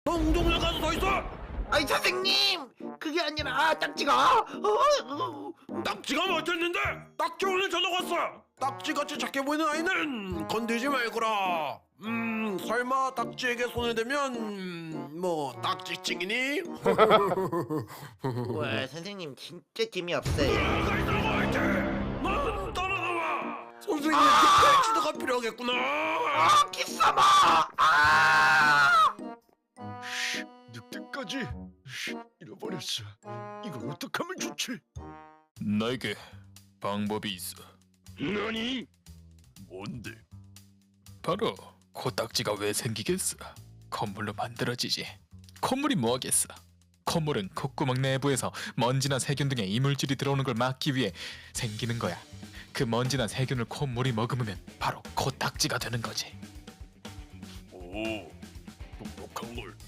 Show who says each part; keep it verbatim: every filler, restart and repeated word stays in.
Speaker 1: 너 운동장 가서 서 있어.
Speaker 2: 아이 선생님 그게 아니라 딱지가 어, 어.
Speaker 1: 딱지가 맞았는데 딱지 오늘 전화 왔어. 딱지같이 작게 보이는 아이는 건들지 말거라. 음 설마 딱지에게 손을 대면 음, 뭐 딱지찡이니?
Speaker 2: 와 선생님 진짜 재미없어요.
Speaker 1: 나가 있으라고 할게. 넌 따라나와. 선생님께 아~ 지도가 필요하겠구나.
Speaker 2: 아 기싸마 아
Speaker 3: 늑대까지 씨, 잃어버렸어. 이걸 어떡하면 좋지?
Speaker 4: 나에게 방법이 있어.
Speaker 3: 너니? 뭔데?
Speaker 4: 바로 코딱지가 왜 생기겠어? 콧물로 만들어지지. 콧물이 뭐하겠어? 콧물은 콧구멍 내부에서 먼지나 세균 등의 이물질이 들어오는 걸 막기 위해 생기는 거야. 그 먼지나 세균을 콧물이 머금으면 바로 코딱지가 되는 거지.
Speaker 3: 오, 똑똑한 걸.